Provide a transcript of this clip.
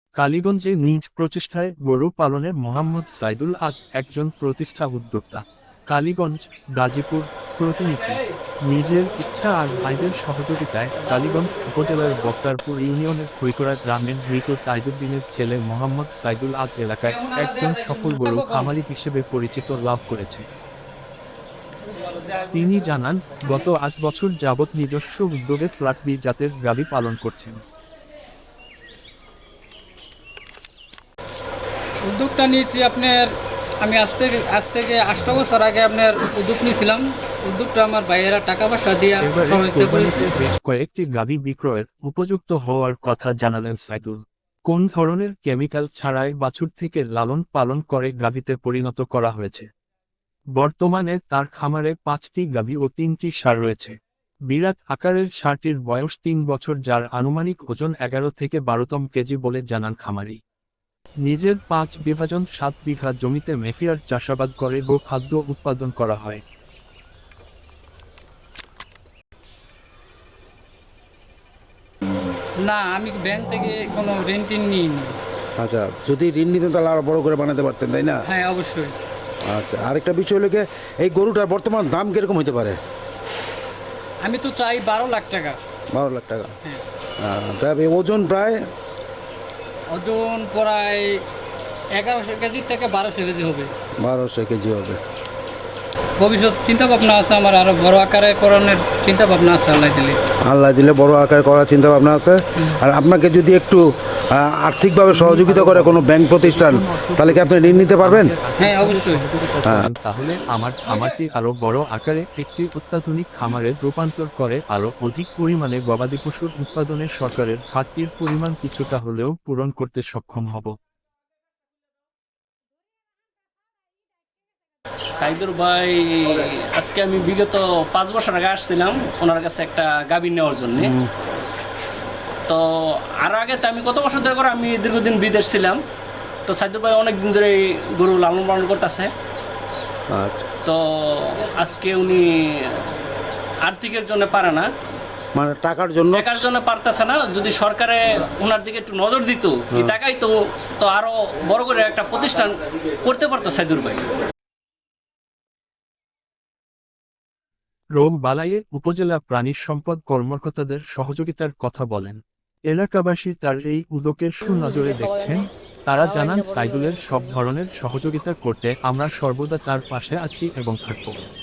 কালীগঞ্জে নিজ প্রচেষ্টায় গরু পালনের মোহাম্মদ সাইদুল আজ একজন প্রতিষ্ঠা উদ্যোক্তা। কালীগঞ্জ, গাজীপুর প্রতিনিধি। নিজের ইচ্ছা আর ভাইদের সহযোগিতায় কালীগঞ্জ উপজেলার বক্তারপুর ইউনিয়নের খৈকড়া গ্রামের মৃত তাইজুদ্দিনের ছেলে মোহাম্মদ সাইদুল আজ এলাকায় একজন সফল গরু খামারি হিসেবে পরিচিত লাভ করেছে। তিনি জানান, গত ৮ বছর যাবৎ নিজস্ব উদ্যোগে ফ্ল্যাট বি জাতের গাভী পালন করছেন। উদ্যোগটা নিয়েছি আপনার, আমি আজ থেকে ৮ বছর আগে আপনার উদ্যোগ নিয়েছিলাম। উদ্যোগটা আমার ভাইয়েরা টাকা পয়সা দিয়ে সহযোগিতা করেছে। বেশ কয়েকটি গাভী বিক্রয়ের উপযুক্ত হওয়ার কথা জানালেন সাইদুল। কোন ধরনের কেমিক্যাল ছাড়াই বাছুর থেকে লালন পালন করে গাভীতে পরিণত করা হয়েছে। বর্তমানে তার খামারে ৫টি গাভী ও ৩টি ষাঁড় রয়েছে। বিরাট আকারের ষাঁড়টির বয়স ৩ বছর, যার আনুমানিক ওজন ১১ থেকে ১২তম কেজি বলে জানান খামারি। নিজের ৫ বিভাজন ৭ বিঘা জমিতে মেফিয়ার চাষাবাদ করে গোখাদ্য উৎপাদন করা হয়। না, আমি ব্যাংক থেকে কোনো ঋণ টিন নিইনি। আচ্ছা, যদি ঋণ নিতেন তাহলে আরো বড় করে বানাতে পারতেন, তাই না? হ্যাঁ, অবশ্যই। আচ্ছা, আরেকটা বিষয় হলো কি, এই গরুটার বর্তমান দাম কিরকম হতে পারে? আমি তো চাই ১২ লাখ টাকা। ১২ লাখ টাকা। হ্যাঁ। তবে ওজন প্রায় ওজন প্রায় ১১০০ কেজি থেকে ১২০০ কেজি হবে। ১২০০ কেজি হবে। ভবিষ্যৎ চিন্তা ভাবনা আছে আমার, আরো বড় আকারে করানোর চিন্তা ভাবনা আছে আল্লাহ দিলে। আল্লাহ দিলে বড় আকার করার চিন্তা ভাবনা আছে। আর আপনাকে যদি একটু আর্থিকভাবে সহযোগিতা করে কোনো ব্যাংক প্রতিষ্ঠান, তাহলে কি আপনি ঋণ নিতে পারবেন? হ্যাঁ, অবশ্যই। তাহলে আমার খামারটি আরো বড় আকারে একটি অত্যাধুনিক খামারে রূপান্তর করে আরো অধিক পরিমাণে গবাদি পশুর উৎপাদনে সরকারের ঘাটতির পরিমাণ কিছুটা হলেও পূরণ করতে সক্ষম হব। সাইদুর ভাই, আজকে আমি বিগত ৫ বছর আগে আসছিলাম ওনার কাছে একটা গাভী নেওয়ার জন্য। তো আর আগে তো আমি কত বছর ধরে করে আমি দীর্ঘদিন বিদেশ ছিলাম। তো সাইদুর ভাই অনেকদিন ধরে গরু লালন পালন করতেছে। আচ্ছা, তো আজকে উনি আর্থিকের জন্য পারে না, মানে টাকার জন্য পারতেছে না। যদি সরকারে ওনার দিকে একটু নজর দিত, এই টাকাই তো আরো বড় করে একটা প্রতিষ্ঠান করতে পারতো সাইদুর ভাই। রোগ বালাইয়ে উপজেলা প্রাণী সম্পদ কর্মকর্তাদের সহযোগিতার কথা বলেন। এলাকাবাসী তার এই উদ্যোগের সুনজরে দেখছেন। তারা জানান, সাইদুলের সব ধরনের সহযোগিতা করতে আমরা সর্বদা তার পাশে আছি এবং থাকব।